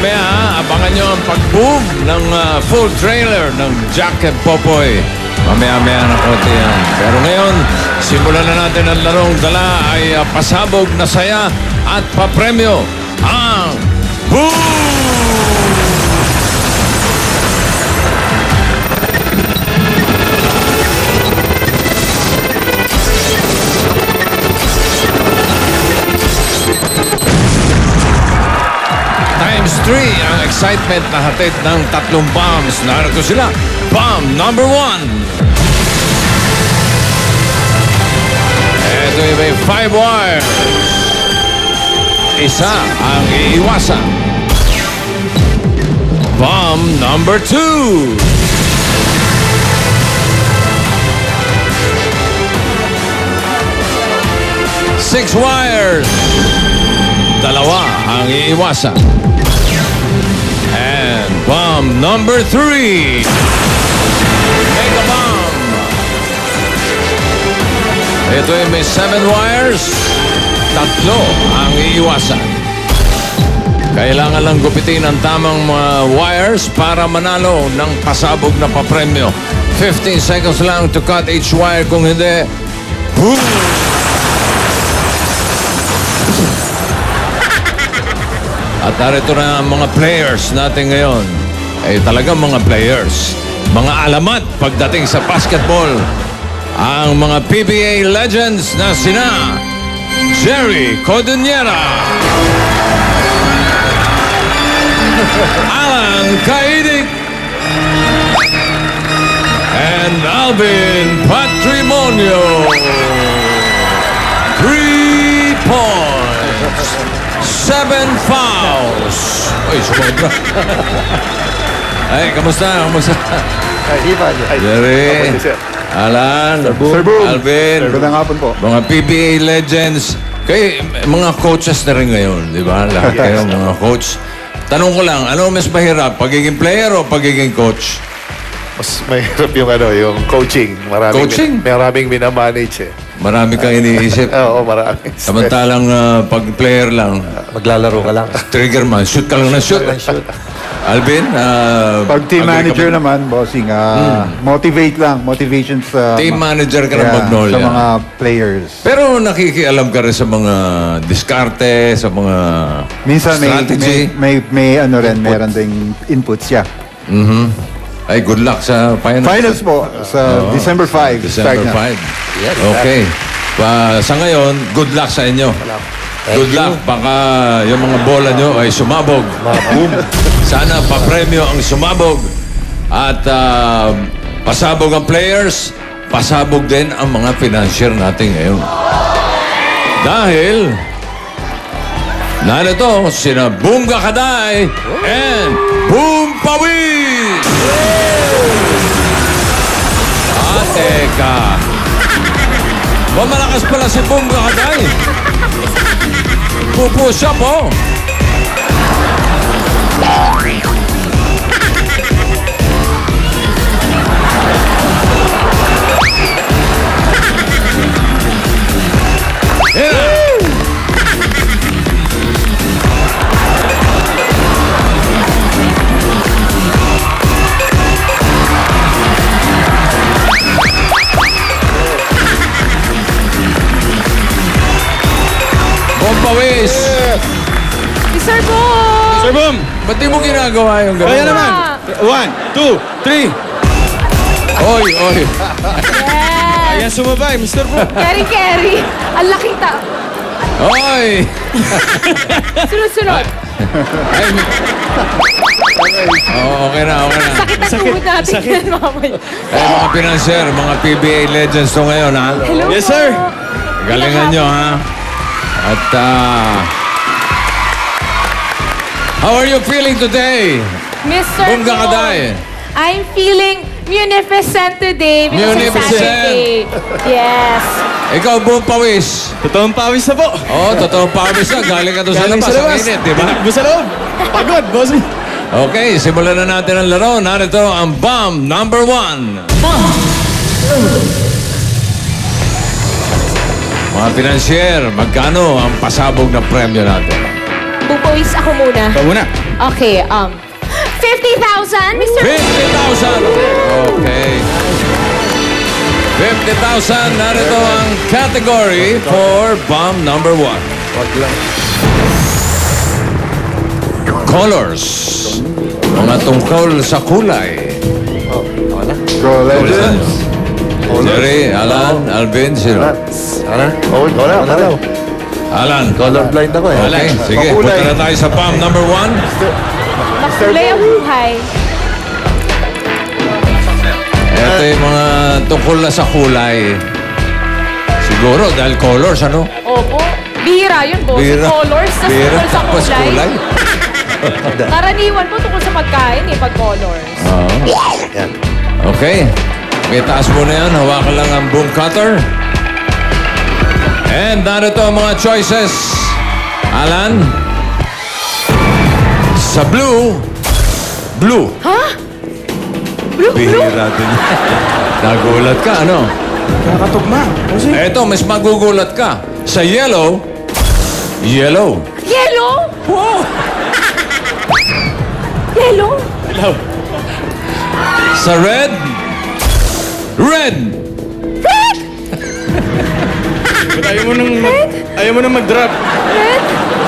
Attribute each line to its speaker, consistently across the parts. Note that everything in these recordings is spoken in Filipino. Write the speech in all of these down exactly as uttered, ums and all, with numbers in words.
Speaker 1: Mamaya, ha, abangan nyo ang pag-boom ng uh, full trailer ng Jack and Popoy. Mamaya-maya na konti yan. Pero ngayon, simulan na natin ang larong dala ay uh, pasabog na saya at papremyo ang Boom! Times three ang excitement na hatid ng tatlong bombs. Narito sila. Bomb number one. Ito yung may five wire. Isa ang iiwasan. Bomb number two. Six wires. Dalawa ang iiwasan. And bomb number three. Mega bomb. Ito ay may seven wires. Tatlo ang iiwasan. Kailangan lang gupitin ang tamang mga wires para manalo ng pasabog na papremyo. fifteen seconds lang to cut each wire. Kung hindi, boom! At narito na ang mga players natin ngayon. Ay talagang mga players. Mga alamat pagdating sa basketball. Ang mga P B A legends na sina Jerry Codunera, Alan Caidic, and Alvin Patrimonio. Three points. Seven fouls. Uy, sumobra. Ay, kamusta? Kamusta?
Speaker 2: Ay, Ivan. Ay,
Speaker 1: Jerry,
Speaker 2: Apo, sir.
Speaker 1: Alan,
Speaker 2: Sir Boom.
Speaker 1: Alvin,
Speaker 2: Magandang hapon po.
Speaker 1: mga P B A legends. Kayo, mga coaches na rin ngayon, di ba? Lahat kayo, mga coach. Tanong ko lang, ano mas mahirap? Pagiging player o pagiging coach?
Speaker 2: Mas mahirap yung ano, yung coaching. Maraming,
Speaker 1: Coaching?
Speaker 2: Maraming minamanage eh.
Speaker 1: Marami kang iniisip.
Speaker 2: Oo, maraming.
Speaker 1: Samantalang uh, pag player lang,
Speaker 3: Maglalaro ka lang.
Speaker 1: trigger man, shoot ka lang na shoot. Alvin, uh,
Speaker 4: Pag team
Speaker 1: agree ka
Speaker 4: manager
Speaker 1: ba?
Speaker 4: naman, bossing, ah, motivate lang. Motivation sa...
Speaker 1: Team manager ka ng
Speaker 4: Yeah,
Speaker 1: Magnolia.
Speaker 4: Sa mga players.
Speaker 1: Pero nakikialam ka rin sa mga diskarte, sa mga
Speaker 4: Minsan may,
Speaker 1: strategy.
Speaker 4: may, may, may ano rin, meron ding inputs siya.
Speaker 1: Mhm. Ay, good luck sa finals.
Speaker 4: Finals po, sa December fifth.
Speaker 1: December
Speaker 4: start na.
Speaker 1: fifth. Okay. Pa, sa ngayon, good luck sa inyo. Good luck. Baka yung mga bola nyo ay sumabog. Boom. Sana papremyo ang sumabog. At ah, pasabog ang players, pasabog din ang mga financier natin ngayon. Dahil, narito sina Boom Gakaday and Boom Pawis! Ah, teka. Mamalakas pala si Boom Gakaday. Pupush up, oh. Yeah. Bompawis!
Speaker 5: Sir Boom!
Speaker 3: Sir Boom!
Speaker 1: Ba't di mo ginagawa yung gano'n?
Speaker 3: Kaya naman! One, two, three!
Speaker 1: Oy, oy.
Speaker 5: Yes!
Speaker 3: Ayan sumabay, Mister Boom!
Speaker 5: Carry, carry. Ang laki ta.
Speaker 1: Oy!
Speaker 5: Sunod-sunod.
Speaker 1: Ay, oh, okay na, okay na.
Speaker 5: Sakit ang
Speaker 3: Sakit,
Speaker 5: tuhod natin
Speaker 3: sakit.
Speaker 5: yan, mamaya.
Speaker 1: Eh, mga financier, mga P B A legends to ngayon, ha?
Speaker 5: Hello
Speaker 3: Yes,
Speaker 5: po.
Speaker 3: sir.
Speaker 1: Galingan nyo, ha? At, ah... how are you feeling today?
Speaker 5: Mister
Speaker 1: Boom Gakaday.
Speaker 5: I'm feeling munificent today. because it's
Speaker 1: Munificent.
Speaker 5: Saturday. Yes.
Speaker 1: Ikaw, Boom Pawis.
Speaker 3: Totoong pawis na po!
Speaker 1: Oo, oh, totoo pawis na. Galing ka doon sa
Speaker 3: Galing
Speaker 1: labas. Ang init, di ba?
Speaker 3: Tinakbo sa loob! Pagod, boss!
Speaker 1: Okay, simulan na natin ang laro. Narito ang bomb number one. Mga financier, magkano ang pasabog na premyo natin?
Speaker 5: Bubawis ako muna.
Speaker 3: Ikaw muna.
Speaker 5: Okay, um, fifty thousand, Mister
Speaker 1: fifty thousand! Okay. fifty thousand, narito ang category for bomb number one. Colors. Mga tungkol sa kulay.
Speaker 4: Go Legends.
Speaker 1: Jerry, Alan, Alvin, sino?
Speaker 2: Ano? Oh, wala, wala.
Speaker 1: Alan.
Speaker 2: Colorblind ako eh.
Speaker 1: Okay, sige.
Speaker 4: Makulay.
Speaker 1: Punta na tayo sa bomb number one.
Speaker 5: Makulay ang buhay.
Speaker 1: Ito yung mga tungkol na sa kulay. Siguro dahil colors, ano?
Speaker 5: Opo. Bihira yun, boss.
Speaker 1: Bihira.
Speaker 5: Colors, tas
Speaker 1: Bihira,
Speaker 5: tungkol sa
Speaker 1: tapos
Speaker 5: kulay. Karaniwan po tungkol sa pagkain eh, pag colors.
Speaker 1: Oo.
Speaker 2: Yan.
Speaker 1: Okay. Okay, taas mo na yan. Hawakan lang ang boom cutter. And narito ang mga choices. Alan. Sa blue. Blue.
Speaker 5: Ha? Blue, blue?
Speaker 1: Bihira din. Nagulat ka, ano?
Speaker 3: Nakakatugma. Bossing.
Speaker 1: Eto, mas magugulat ka. Sa yellow. Yellow.
Speaker 5: Yellow?
Speaker 1: Wow.
Speaker 5: Yellow?
Speaker 3: Hello.
Speaker 1: Sa red. Red.
Speaker 3: Ba't ayaw mo nang, mag, ayaw mo nang mag-drop?
Speaker 5: Red?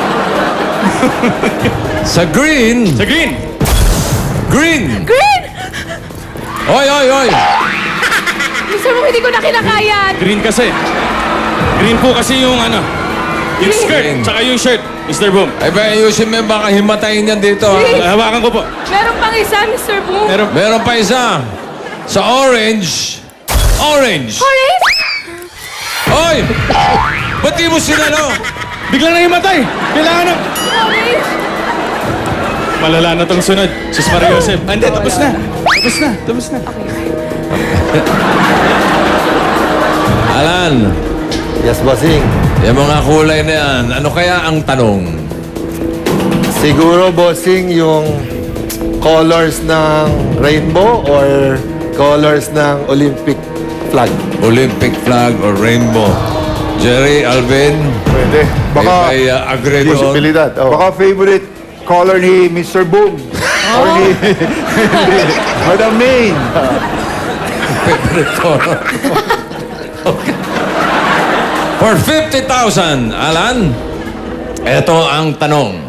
Speaker 1: Sa green.
Speaker 3: Sa green.
Speaker 1: Green.
Speaker 5: Green?
Speaker 1: Oy, oy, oy.
Speaker 5: Mister Mo, hindi ko na kinakayan.
Speaker 3: Green kasi. Green po kasi yung ano, yung
Speaker 5: Green.
Speaker 3: skirt, tsaka yung shirt, Mister Boom.
Speaker 1: Ay ba, ayusin mo, baka himatayin yan dito.
Speaker 5: Green.
Speaker 1: Ha?
Speaker 3: Ah, hawakan ko po.
Speaker 5: Meron pang isa, Mister Boom.
Speaker 3: Meron.
Speaker 1: Meron pa isa. Sa orange. Orange.
Speaker 5: Orange?
Speaker 1: Oy! Ba't di mo sila, no?
Speaker 3: Biglang na himatay. Kailangan ng...
Speaker 5: Orange?
Speaker 3: Malala na tong sunod. Sus Maria Joseph. Ah, Hindi, tapos na. Tapos na. Tapos na.
Speaker 1: Alan,
Speaker 2: Yes, bossing.
Speaker 1: yung mga kulay na yan, ano kaya ang tanong?
Speaker 2: Siguro, bossing, yung colors ng rainbow or colors ng Olympic flag?
Speaker 1: Olympic flag or rainbow? Jerry, Alvin,
Speaker 4: Pwede. Baka,
Speaker 1: may, may uh, agree doon.
Speaker 2: Posibilidad. Oh.
Speaker 4: baka favorite color ni Mister Boom. Or ni Madam Main.
Speaker 1: Favorite color. Okay. For fifty thousand, Alan, ito ang tanong.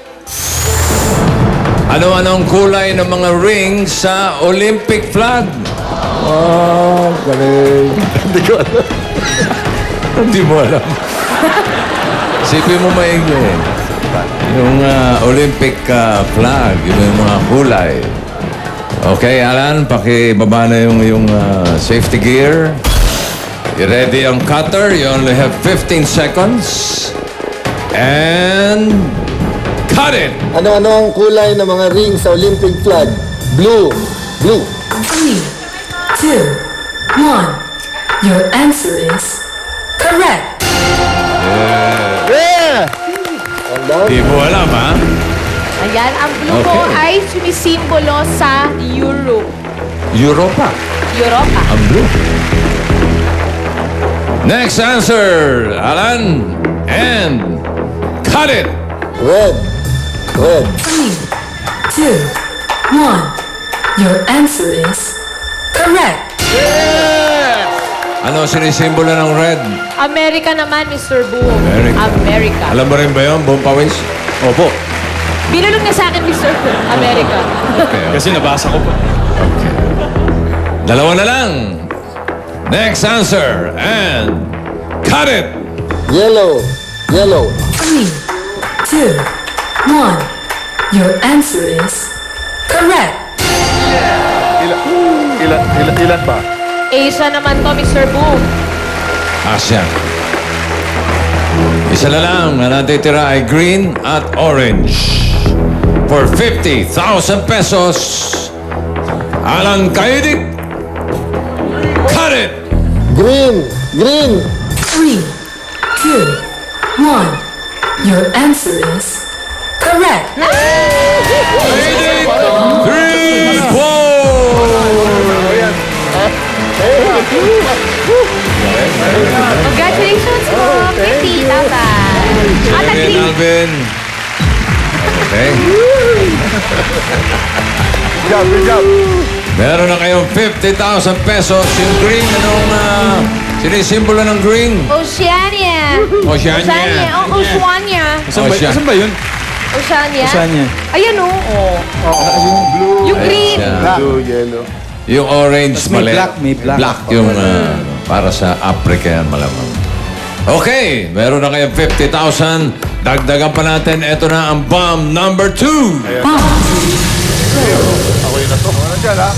Speaker 1: Ano-anong kulay ng mga rings sa Olympic flag?
Speaker 2: Oh, galing. Hindi ko alam.
Speaker 1: Hindi mo alam. Isipin mo maigi. Yung ah, Olympic ah, flag, yun yung mga kulay. Okay, Alan, pakibaba na yung, yung ah, safety gear. I-ready ang cutter. You only have fifteen seconds. And... cut it!
Speaker 6: Ano-ano ang kulay ng mga ring sa Olympic flag? Blue. Blue.
Speaker 7: Three, two, one. Your answer is correct.
Speaker 6: Yeah! Wala.
Speaker 1: Di mo alam, ha?
Speaker 5: Ayan, ang blue po
Speaker 1: Okay.
Speaker 5: ay sumisimbolo sa Europe.
Speaker 1: Europa.
Speaker 5: Europa.
Speaker 1: Ang blue. Next answer, Alan. And... cut it!
Speaker 6: Red. Red.
Speaker 7: Three, two, one. Your answer is correct.
Speaker 1: Ano sinisimbolo ng red?
Speaker 5: America naman, Mister Boom.
Speaker 1: America.
Speaker 5: America.
Speaker 1: Alam mo rin ba yun, Boom Pawis?
Speaker 3: Opo.
Speaker 5: Binulong niya sa akin, Mister Boom. America.
Speaker 1: Okay,
Speaker 3: Kasi nabasa ko po.
Speaker 1: okay. Dalawa na lang. Next answer. And... cut it!
Speaker 6: Yellow. Yellow.
Speaker 7: Three, two, one. Your answer is correct.
Speaker 2: Ilan, ilan, ilan, ilan ba?
Speaker 5: Asia naman to, Mister Boom.
Speaker 1: Asya. Isa na lang na natitira ay green at orange. For fifty thousand pesos, Alan Kaidik, cut it!
Speaker 6: Green. Green.
Speaker 7: Three, two, one. Your answer is correct.
Speaker 1: Kaidik, three, four!
Speaker 5: Congratulations po, fifty thousand. At ang
Speaker 1: Jerry and
Speaker 5: green.
Speaker 1: Alvin, Okay?
Speaker 4: Good job, good job.
Speaker 1: Meron na kayong fifty thousand pesos. Yung green, anong uh, sinisimbolo ng green?
Speaker 5: Oceania.
Speaker 1: Oceania.
Speaker 5: Oceania. Oh, Oceania.
Speaker 3: Asan ba,
Speaker 1: Oh, siya.
Speaker 3: asan ba yun?
Speaker 5: Oceania.
Speaker 3: Oceania.
Speaker 5: Ayan o. Oh. Yung green.
Speaker 1: Ayan.
Speaker 2: Blue, yellow.
Speaker 1: Yung orange,
Speaker 3: Tapos may
Speaker 1: mali.
Speaker 3: black, may black.
Speaker 1: yung uh, para sa Africa yan, malamang. Okay, meron na kayong fifty thousand. Dagdagan pa natin. Ito na ang bomb number two.
Speaker 2: Ako yun na to.
Speaker 4: Ano dyan, ha?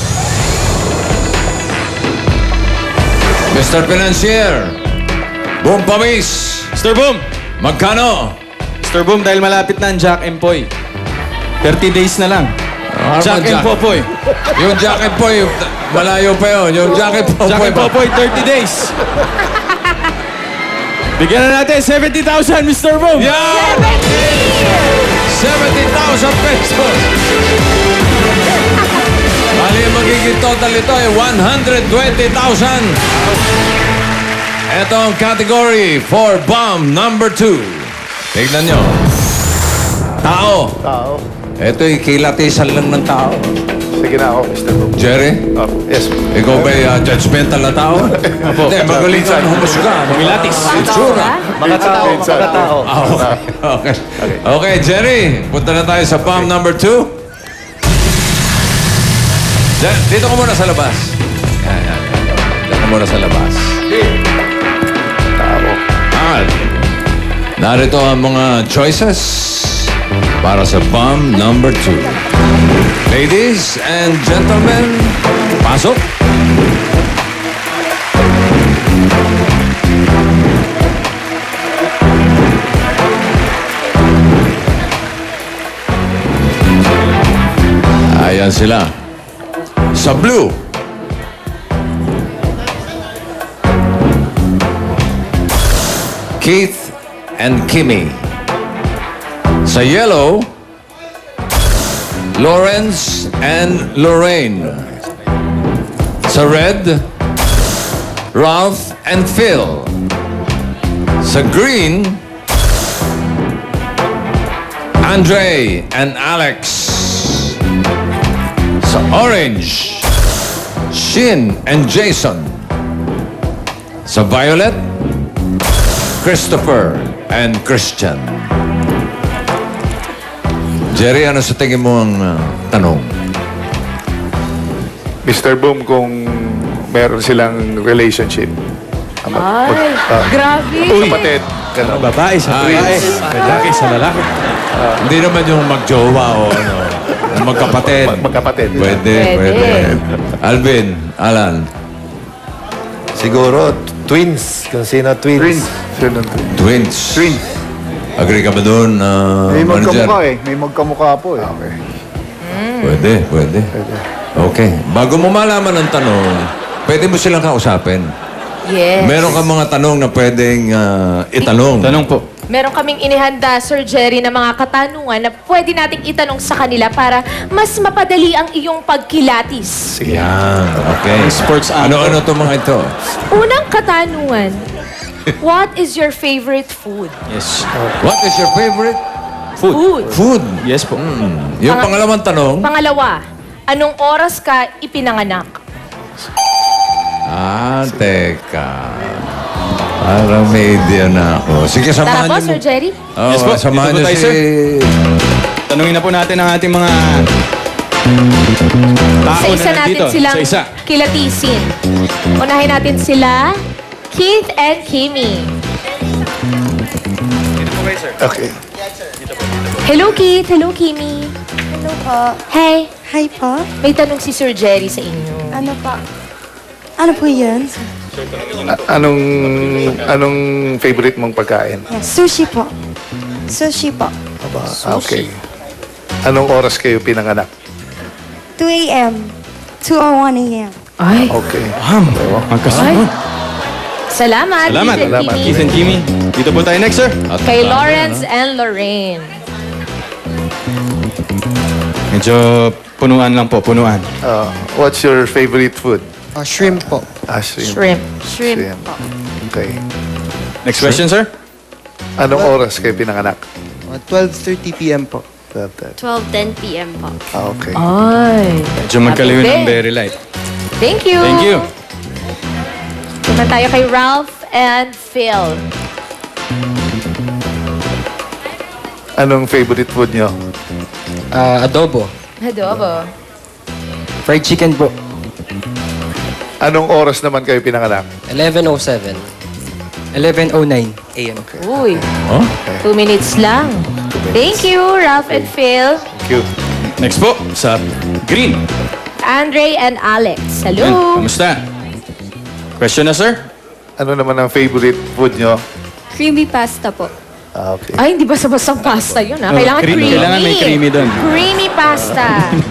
Speaker 1: Mister Financier, Boom Pamis,
Speaker 3: Mister Boom!
Speaker 1: magkano?
Speaker 3: Mister Boom, dahil malapit na ang Jack and Poy. thirty days na lang.
Speaker 1: Ano
Speaker 3: Jack
Speaker 1: bang
Speaker 3: and Popoy.
Speaker 1: Yung jacket po, yung, malayo pa yun. Yung jacket po,
Speaker 3: Jack and Popoy, thirty days. Bigyan na natin seventy thousand, Mister Boom!
Speaker 1: Yeah! seventy thousand pesos. Bali, yung magiging total ito ay one hundred twenty thousand. Ito ang category for bomb number two. Tignan nyo. Tao.
Speaker 2: Tao.
Speaker 1: Ito'y kilatisan lang ng tao.
Speaker 2: Sige na ako, Mister Boom.
Speaker 1: Jerry,
Speaker 2: Oh, yes.
Speaker 1: ikaw ba'y uh, judgmental na tao? Hindi, magaling ka ng humusga.
Speaker 3: Milatis.
Speaker 1: Itsura.
Speaker 6: Mga tao, mga tao.
Speaker 1: Ah, okay. okay. Okay, Jerry, punta na tayo sa bomb number two. Diyan, dito ka muna sa labas. Yan, yan, yan. Dito ka muna sa labas.
Speaker 2: Tao.
Speaker 1: Ah, narito ang mga choices para sa bomb number two. Ladies and gentlemen, pasok. Ayan sila. Sa blue, Keith and Kimmy. Sa yellow, Lawrence and Lorraine. Sa red, Ralph and Phil. Sa green, Andre and Alex. Sa orange, Shin and Jason. Sa violet, Christopher and Christian. Jerry, ano sa tingin mo ang uh, tanong?
Speaker 2: Mister Boom, kung meron silang relationship. Ama-
Speaker 5: Ay,
Speaker 2: mag- ah,
Speaker 5: grabe.
Speaker 2: kapatid. Ganun.
Speaker 3: Babae sa
Speaker 1: Ay.
Speaker 3: babae. Lalaki sa lalaki.
Speaker 1: Hindi naman yung magjowa o ano, magkapatid.
Speaker 2: Mag- magkapatid.
Speaker 1: Pwede,
Speaker 5: Pwede.
Speaker 1: pwede. Alvin, Alan.
Speaker 6: Siguro, twins. Kung sino twins.
Speaker 4: Twins.
Speaker 2: Sino?
Speaker 1: Twins.
Speaker 4: Twins.
Speaker 1: Agree ka ba doon, uh,
Speaker 4: May
Speaker 1: manager?
Speaker 4: magkamukha eh. May magkamukha po eh.
Speaker 2: Okay.
Speaker 1: Pwede, pwede. Okay. Bago mo malaman ang tanong, pwede mo silang kausapin.
Speaker 5: Yes.
Speaker 1: Meron ka mga tanong na pwedeng uh, itanong.
Speaker 3: Tanong po.
Speaker 5: Meron kaming inihanda, Sir Jerry, na mga katanungan na pwede nating itanong sa kanila para mas mapadali ang iyong pagkilatis.
Speaker 1: Yan, okay.
Speaker 3: Sports
Speaker 1: Ano-ano to mga ito?
Speaker 5: Unang katanungan, what is your favorite food?
Speaker 3: Yes.
Speaker 1: What is your favorite
Speaker 3: Food.
Speaker 5: Food.
Speaker 1: food?
Speaker 3: Yes po.
Speaker 1: Yung
Speaker 5: Pang-
Speaker 1: pangalawang tanong,
Speaker 5: Pangalawa, anong oras ka ipinanganak?
Speaker 1: ah, teka. Parang may idea na ako. Sige,
Speaker 5: Tara
Speaker 1: samahan
Speaker 5: po,
Speaker 1: niyo
Speaker 5: Sir
Speaker 1: mo.
Speaker 5: Jerry.
Speaker 1: Oh,
Speaker 3: Yes po.
Speaker 1: samahan
Speaker 3: Dito
Speaker 1: niyo
Speaker 3: po tayo,
Speaker 1: si...
Speaker 3: sir. Tanungin na po natin ang ating mga tao
Speaker 5: Isa-isa
Speaker 3: na
Speaker 5: natin
Speaker 3: nandito.
Speaker 5: silang
Speaker 3: Isa-isa.
Speaker 5: kilatisin. Unahin natin sila, Keith and Kimmy.
Speaker 2: Okay.
Speaker 5: Hello, Keith. Hello, Kimmy.
Speaker 8: Hello po.
Speaker 5: Hey,
Speaker 8: Hi po.
Speaker 5: may tanong si Sir Jerry sa inyo.
Speaker 8: Ano po? Ano po yun?
Speaker 2: A- anong anong favorite mong pagkain?
Speaker 8: Yeah, sushi po. Sushi po.
Speaker 2: Aba, okay. Anong oras kayo pinanganak?
Speaker 8: two a.m. two oh one a.m.
Speaker 5: Ay,
Speaker 2: Okay.
Speaker 3: Ma'am, magkasama.
Speaker 5: salamat,
Speaker 3: Salamat.
Speaker 5: Keith and
Speaker 2: Salamat.
Speaker 5: Kimmy.
Speaker 3: Keith and Kimmy. Dito po tayo next, sir.
Speaker 1: At-
Speaker 5: Kay Lawrence and Lorraine.
Speaker 3: Medyo punuan lang po, punuan.
Speaker 2: Uh, what's your favorite food?
Speaker 9: Ah, shrimp po.
Speaker 2: Ah, shrimp.
Speaker 5: Shrimp. Shrimp.
Speaker 2: Shrimp. Okay.
Speaker 3: Next question, sir.
Speaker 2: Anong oras kayo pinanganak?
Speaker 9: Ah, twelve thirty p m po.
Speaker 2: twelve ten.
Speaker 8: twelve ten p m po.
Speaker 2: Ah, okay.
Speaker 5: Ay.
Speaker 3: Medyo magkaliw
Speaker 5: Happy
Speaker 3: ng
Speaker 5: day.
Speaker 3: very light.
Speaker 5: Thank you.
Speaker 3: Thank you.
Speaker 5: Naman tayo kay Ralph and Phil.
Speaker 2: Anong favorite food nyo?
Speaker 6: Ah, adobo.
Speaker 5: Adobo.
Speaker 6: Fried chicken po.
Speaker 2: Anong oras naman kayo pinanganak?
Speaker 6: eleven oh seven. eleven oh nine a m
Speaker 5: Uy,
Speaker 1: Oh?
Speaker 5: two minutes lang. Thank you, Ralph and Phil.
Speaker 2: Thank you.
Speaker 3: Next po, sa green.
Speaker 5: Andre and Alex.
Speaker 3: Yan,
Speaker 5: Hello.
Speaker 3: kamusta? Question na, sir?
Speaker 2: Ano naman ang favorite food nyo?
Speaker 8: Creamy pasta po.
Speaker 2: Ah, okay.
Speaker 5: Ay, hindi ba basta pasta yun, ha? Kailangan
Speaker 3: creamy.
Speaker 5: creamy.
Speaker 3: Kailangan may creamy doon.
Speaker 5: Creamy pasta.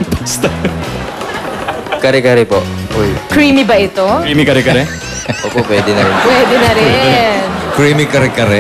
Speaker 6: Kare-kare po.
Speaker 2: Uy.
Speaker 5: Creamy ba ito?
Speaker 3: Creamy kare-kare?
Speaker 6: Opo, pwede na rin.
Speaker 5: Pwede na rin.
Speaker 1: Creamy kare-kare.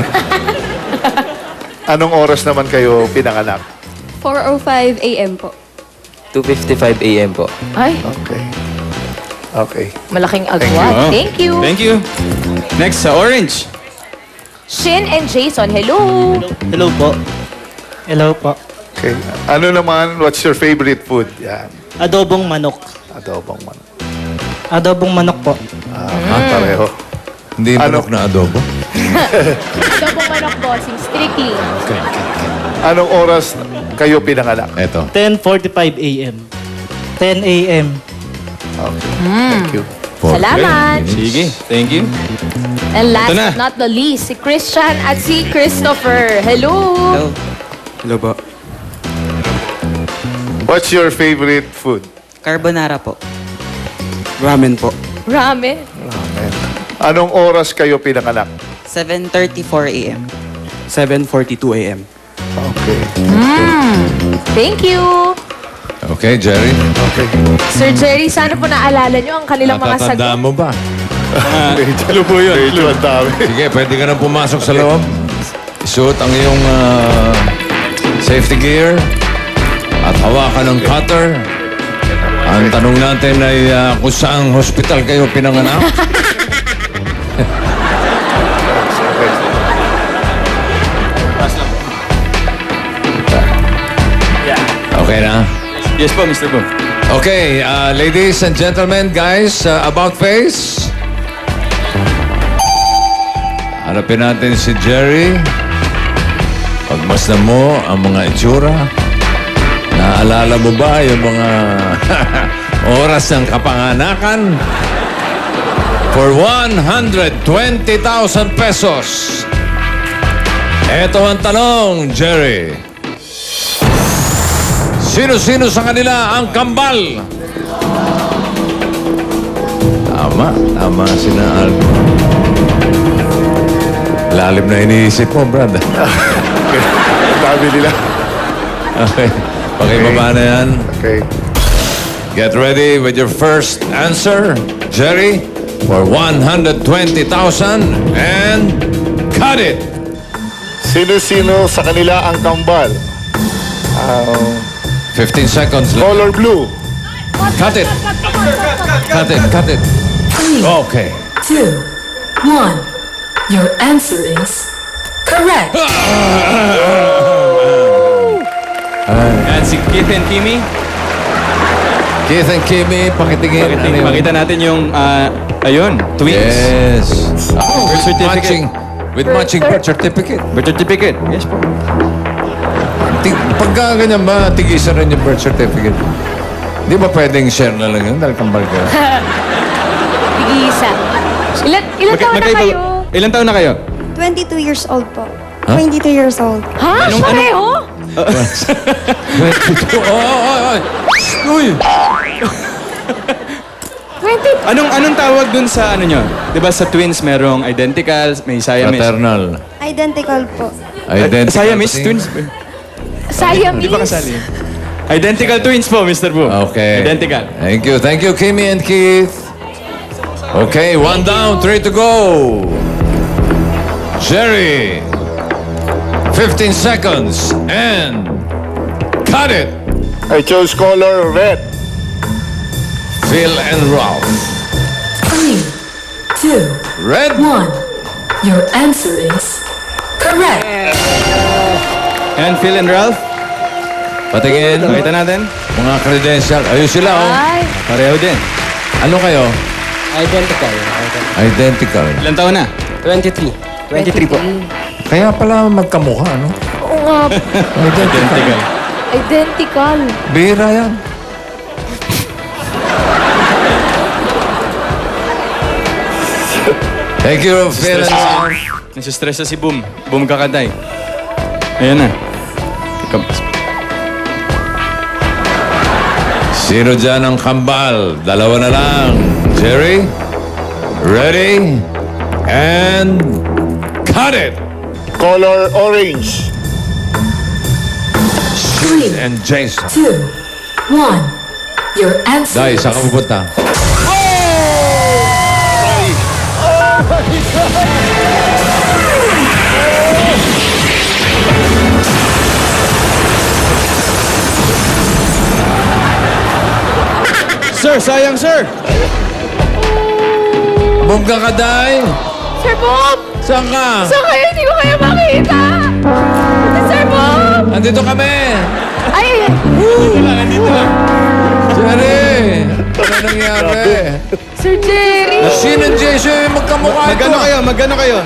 Speaker 2: Anong oras naman kayo pinanganak?
Speaker 8: four oh five a m po.
Speaker 6: two fifty-five a m po.
Speaker 5: Ay,
Speaker 2: Okay. Okay.
Speaker 5: malaking
Speaker 3: Oh,
Speaker 5: agwat. Thank you.
Speaker 3: Thank you. Next, sa orange.
Speaker 5: Shin and Jason, hello.
Speaker 9: Hello po. Hello po.
Speaker 2: Okay. Ano naman, what's your favorite food? Yan.
Speaker 9: Adobong manok.
Speaker 2: Adobong man.
Speaker 9: Adobong manok po.
Speaker 2: Ah, pareho.
Speaker 1: Hindi
Speaker 2: Ano?
Speaker 1: manok na adobo.
Speaker 5: Adobong manok bossing, strictly.
Speaker 2: Anong oras kayo pinanganak?
Speaker 1: Eto.
Speaker 9: ten forty-five a m ten a m
Speaker 2: Okay. Thank you.
Speaker 5: Salamat.
Speaker 3: Sige, thank you.
Speaker 5: And last
Speaker 3: Ito na.
Speaker 5: but not the least, si Christian at si Christopher. Hello.
Speaker 3: Hello po.
Speaker 2: What's your favorite food?
Speaker 10: Carbonara po.
Speaker 9: Ramen po.
Speaker 5: Ramen.
Speaker 2: Amen. Anong oras kayo pinanganak?
Speaker 10: seven thirty-four a m
Speaker 9: seven forty-two a m
Speaker 2: Okay.
Speaker 5: Thank you.
Speaker 1: Okay, Jerry.
Speaker 2: Okay.
Speaker 5: Sir Jerry, sana po naalala nyo ang kanilang mga sagot.
Speaker 1: Natatandaan mo ba?
Speaker 3: Clue po yun.
Speaker 2: Medyo ang dami.
Speaker 1: Sige, pwede ka na pumasok sa loob. Isuot ang iyong ah, safety gear at hawakan ng cutter. Ang tanong natin ay ah, kung saang hospital kayo pinanganak. Okay na?
Speaker 3: Yes po, Mister Boom.
Speaker 1: Okay, uh, ladies and gentlemen, guys, uh, about face. Hanapin natin si Jerry. Pagmasdan mo ang mga itsura. Naaalala mo ba yung mga oras ng kapanganakan? For one hundred twenty thousand pesos. Ito ang tanong, Jerry. Sino-sino sa kanila ang kambal? Tama, tama sina Alco. Lalim na iniisip mo, Brad.
Speaker 2: Ang dami nila.
Speaker 1: Okay, pakibaba na yan.
Speaker 2: Okay.
Speaker 1: Get ready with your first answer, Jerry, for one hundred twenty thousand and cut it!
Speaker 2: Sino-sino sa kanila ang kambal? Um,
Speaker 1: fifteen seconds left.
Speaker 2: color blue.
Speaker 1: Cut it! Cut it, cut it.
Speaker 7: Three,
Speaker 1: Okay.
Speaker 7: two, one. Your answer is correct.
Speaker 3: At si Keith and Kimi,
Speaker 1: Keith and Kimmy, pakitingin.
Speaker 3: pakita,
Speaker 1: Ano yun?
Speaker 3: pakita natin yung, ah, ayun, twins.
Speaker 1: Yes. Oh,
Speaker 3: Birth certificate.
Speaker 1: matching. With matching birth certificate.
Speaker 3: Birth certificate. Yes po.
Speaker 1: Ti- Pagka ganyan ba, tigisan rin yung birth certificate? Di ba pwedeng share na lang yun dahil kambal ka?
Speaker 5: Tigisa. Ilan, ilan
Speaker 3: Magka-
Speaker 5: taon na
Speaker 3: magkaiba-
Speaker 5: kayo?
Speaker 3: Ilan taon na kayo?
Speaker 8: twenty-two years old po.
Speaker 1: Huh?
Speaker 8: twenty-two years old.
Speaker 5: Ha?
Speaker 3: Anong-
Speaker 5: Pareho?
Speaker 1: twenty-two. Oh, oh, oh. Uy!
Speaker 5: twenty.
Speaker 3: Anong anong tawag dun sa ano nyo? 'Di ba sa twins merong identical, may Siamese.
Speaker 1: Fraternal.
Speaker 8: Identical po.
Speaker 1: Identical.
Speaker 3: Siamese twins.
Speaker 5: Siamese.
Speaker 3: Di ba kasali? Identical twins po, Mister Boom.
Speaker 1: Okay.
Speaker 3: Identical.
Speaker 1: Thank you. Thank you, Kimmy and Keith. Okay, one down, three to go. Jerry. fifteen seconds. And cut it.
Speaker 2: I chose color red.
Speaker 1: Phil and Ralph.
Speaker 7: Three, two,
Speaker 1: Red.
Speaker 7: one. Your answer is correct.
Speaker 3: And Phil and Ralph?
Speaker 1: Patingin.
Speaker 3: Pakita natin.
Speaker 1: Mga credential. Ayun sila, oh.
Speaker 5: Ay,
Speaker 3: Pareho din.
Speaker 1: Ano kayo?
Speaker 9: Identical.
Speaker 1: Identical.
Speaker 3: Ilan taon na?
Speaker 9: twenty-three. twenty-three po.
Speaker 1: Kaya pala magkamukha, no?
Speaker 5: oo nga.
Speaker 3: Identical.
Speaker 5: Identical.
Speaker 1: Bihira yan. Thank you, Phil and Sam.
Speaker 3: Nasistress na si Boom. Boom Kakaday. Ayan na. Ikaw-
Speaker 1: Sino dyan ang kambal? Dalawa na lang. Jerry, ready, and cut it!
Speaker 2: Color orange.
Speaker 7: Three,
Speaker 1: And Jason.
Speaker 7: two, one. Your answer
Speaker 1: Dahil, saan ka pupunta?
Speaker 3: Sir, sayang sir!
Speaker 1: Bongga ka, Day!
Speaker 5: Sir Bob!
Speaker 1: Saan ka?
Speaker 5: Saan kayo? Hindi ko kayo makita! Sir Bob!
Speaker 1: Andito kami!
Speaker 5: Ay, ay, ay.
Speaker 3: Dito lang, nandito lang.
Speaker 1: Jerry! Ano nangyari?
Speaker 5: Sir Jerry!
Speaker 1: Sino ang Jason yung magkamukha ito?
Speaker 3: Magkano kayo? Magkano kayo?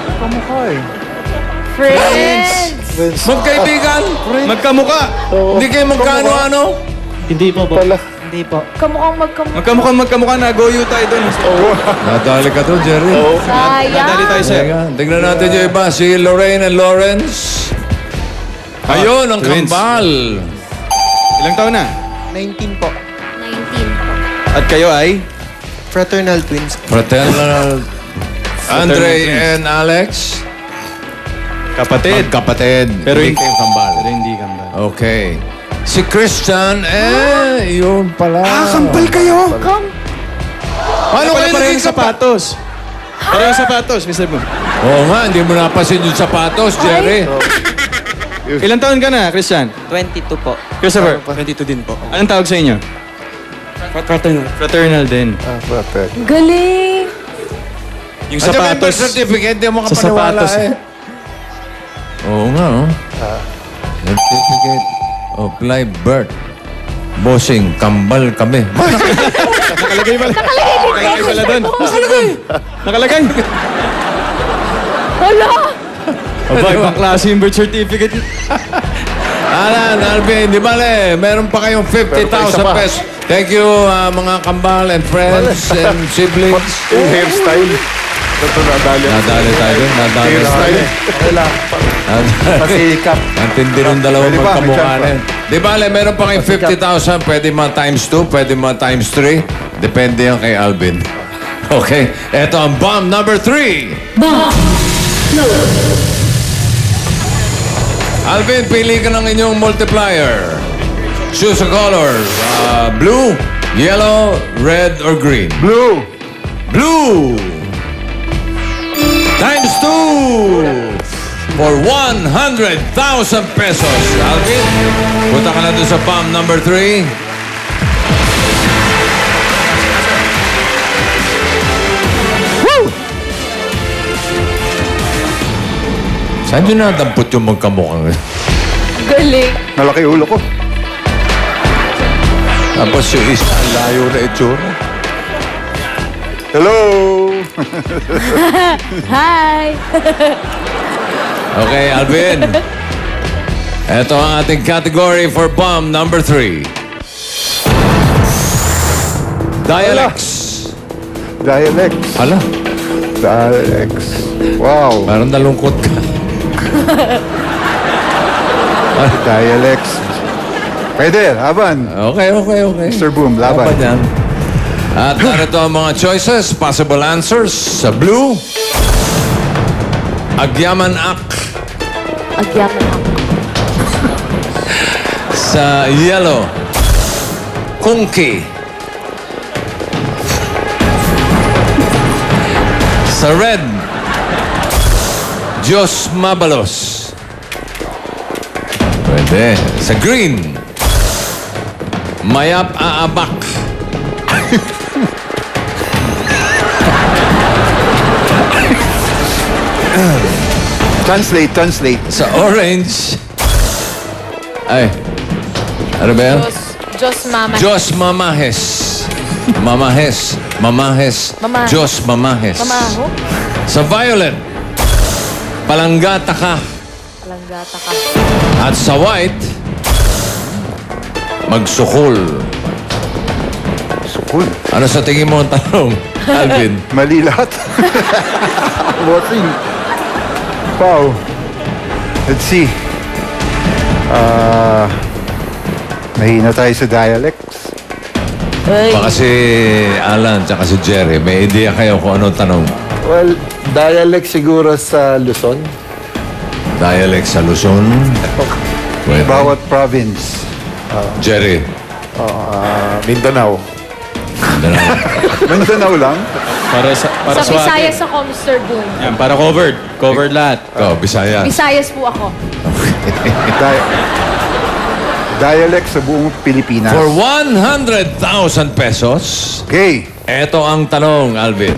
Speaker 5: Friends!
Speaker 1: Magkaibigan?
Speaker 3: Magkamukha!
Speaker 1: Hindi kayo magkano-ano?
Speaker 9: Hindi po po. Hindi po.
Speaker 5: Kamukhang magkamukha.
Speaker 3: Magkamukha, magkamukha na. Go you tayo dun.
Speaker 1: Nadali ka to, Jerry.
Speaker 3: Nadali
Speaker 5: Sayang.
Speaker 3: tayo sir.
Speaker 1: Teka, tignan natin yung iba. Si Lorraine and Lawrence. Ayun, ang
Speaker 3: twins.
Speaker 1: kambal.
Speaker 3: Ilang taon na?
Speaker 9: nineteen po.
Speaker 5: nineteen po.
Speaker 3: At kayo ay?
Speaker 9: Fraternal twins.
Speaker 1: Fraternal Andre and Alex.
Speaker 3: Kapatid.
Speaker 1: Kapatid.
Speaker 3: Pero
Speaker 1: hindi
Speaker 3: hindi
Speaker 1: kayong kambal.
Speaker 3: Pero hindi kambal.
Speaker 1: Okay. Si Christian, eh, yun pala. Ah, kambal kayo.
Speaker 5: Kam...
Speaker 3: Paano kayo
Speaker 1: pareho
Speaker 3: naging
Speaker 1: yung
Speaker 3: sapatos? Parehong sapatos, Mister Boom.
Speaker 1: Oo nga, hindi mo napasin yung sapatos, Jerry.
Speaker 3: Ilang taon ka na, Christian?
Speaker 10: twenty-two po.
Speaker 3: Christopher?
Speaker 9: twenty-two din po.
Speaker 3: Anong tawag sa inyo?
Speaker 9: Fraternal.
Speaker 3: Fraternal din.
Speaker 2: Ah, perfect.
Speaker 5: Galing!
Speaker 3: Yung
Speaker 1: At yung birth
Speaker 3: sapatos.
Speaker 1: certificate, di mo
Speaker 3: Sa
Speaker 1: kapaniwala
Speaker 3: sapatos.
Speaker 1: eh. Oo nga, oh. Certificate of live birth. Bossing, kambal kami.
Speaker 3: Nakalagay pala. Nakalagay pala doon. Nakalagay. Nakalagay.
Speaker 5: Hala!
Speaker 3: Aba, ibang klase yung birth certificate.
Speaker 1: Alan, Alvin, di ba le, meron pa kayong fifty thousand
Speaker 2: Meron pa isa pa.
Speaker 1: pesos. Thank you, uh, mga kambal and friends and siblings.
Speaker 2: Yung hairstyle. Ito nadali.
Speaker 1: Nadali tayo dun, nadali
Speaker 2: Hairstyle.
Speaker 1: tayo.
Speaker 4: Okay lang. Pasikap.
Speaker 1: Antindi rin dalawang
Speaker 4: Pwede ba? May
Speaker 1: magkamukha
Speaker 4: chance
Speaker 1: na yun. Di ba, le, meron pa kayong fifty thousand, pwede mga times two, pwede mga times three. Depende yan kay Alvin. Okay, eto ang bomb number three.
Speaker 7: Bomb.
Speaker 1: Alvin, pili ka ng inyong multiplier. Choose a color. Uh, blue, yellow, red, or green.
Speaker 4: Blue.
Speaker 1: Blue! Times two! For one hundred thousand pesos. Alvin, punta ka na doon sa bomb number three. Woo! Saan nyo nadampot yung magkamukha?
Speaker 5: Galing.
Speaker 4: Nalaki ulo ko.
Speaker 1: Tapos yung isa, ang layo na itsura.
Speaker 4: Hello.
Speaker 5: Hi!
Speaker 1: Okay, Alvin. Ito ang ating category for bomb number three. Dialects.
Speaker 4: Dialects.
Speaker 1: Hala,
Speaker 4: Dialects. Wow.
Speaker 1: parang nalungkot ka.
Speaker 4: Dialects. Pwede, laban.
Speaker 1: Okay, okay, okay.
Speaker 4: Mister Boom, laban.
Speaker 1: Laban yan. At narito ang mga choices, possible answers. Sa blue, Agyaman Ak.
Speaker 5: Agyaman ako.
Speaker 1: Sa yellow, Kungki. Sa red, Diyos Mabalos. Pwede. Sa green, Mayap Aabak.
Speaker 4: Translate, translate.
Speaker 1: Sa orange, ay, Ano ba yan?
Speaker 5: Diyos, Diyos Mama.
Speaker 1: Diyos Mamahes. Mamahes. Mamahes.
Speaker 5: Mama-
Speaker 1: Diyos Mamahes.
Speaker 5: Mamaho?
Speaker 1: Sa violet, palanggata ka.
Speaker 5: Palanggata ka.
Speaker 1: At sa white, magsukol.
Speaker 4: Sukul.
Speaker 1: Ano sa tingin mo ang tanong, Alvin?
Speaker 4: Mali lahat. Bossing. Wow. Let's see. Ah... Mahina tayo sa dialects.
Speaker 5: Ay.
Speaker 1: Baka si Alan tsaka si Jerry, may idea kayo kung anong tanong.
Speaker 6: Well, dialect siguro sa Luzon.
Speaker 1: Dialect sa Luzon. Pwede.
Speaker 4: Bawat province.
Speaker 1: Jerry.
Speaker 2: Ah, Mindanao.
Speaker 1: Mindanao.
Speaker 4: Mindanao lang.
Speaker 3: Para sa para
Speaker 5: Sa
Speaker 3: sa
Speaker 5: Visayas ako, Mister Boom.
Speaker 3: Yan, para covered. Covered lahat.
Speaker 1: Ikaw, Bisaya.
Speaker 5: Visayas po ako.
Speaker 4: Di- dialect sa buong Pilipinas.
Speaker 1: For one hundred thousand pesos,
Speaker 4: Okay.
Speaker 1: eto ang tanong, Alvin.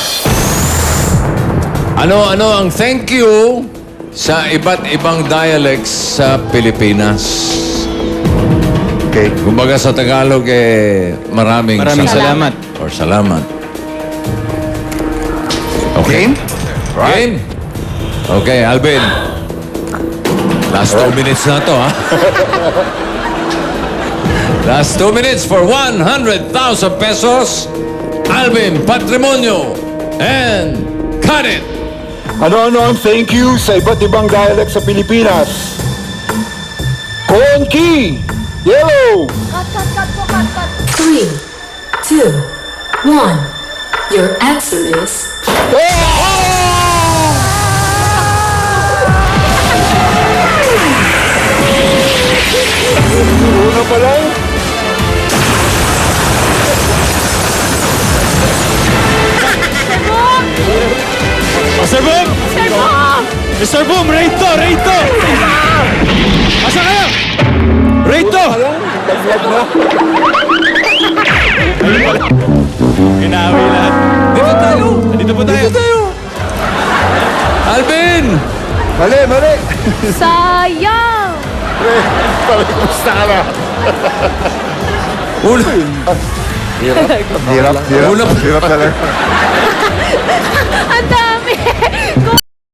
Speaker 1: Ano-ano ang thank you sa iba't ibang dialects sa Pilipinas?
Speaker 4: Okay.
Speaker 1: Kumbaga sa Tagalog, eh, maraming,
Speaker 3: Maraming
Speaker 1: salamat.
Speaker 3: salamat.
Speaker 1: Or salamat. Okay?
Speaker 4: Game?
Speaker 1: Game? Okay, Alvin. Last two minutes na to, ha? Last two minutes for one hundred thousand pesos. Alvin Patrimonio. And cut it!
Speaker 6: Ano-ano ang thank you sa iba't ibang dialect sa Pilipinas? Konki! Yellow!
Speaker 5: Cut, cut, cut po, cut, cut.
Speaker 7: Three, two, one. Your answer is
Speaker 6: Una pa lang?
Speaker 3: Mister Boom!
Speaker 5: Mister Boom!
Speaker 3: Mister Boom, rate to, rate to! Asa kayo? Rate to! Ginawi lahat. Dito tayo! Dito po tayo. Dito tayo.
Speaker 1: Alvin!
Speaker 4: Mali, mali.
Speaker 5: Sayang!
Speaker 1: Una,
Speaker 4: Hirap, hirap.
Speaker 1: Una-
Speaker 4: Hirap talaga.
Speaker 5: Ang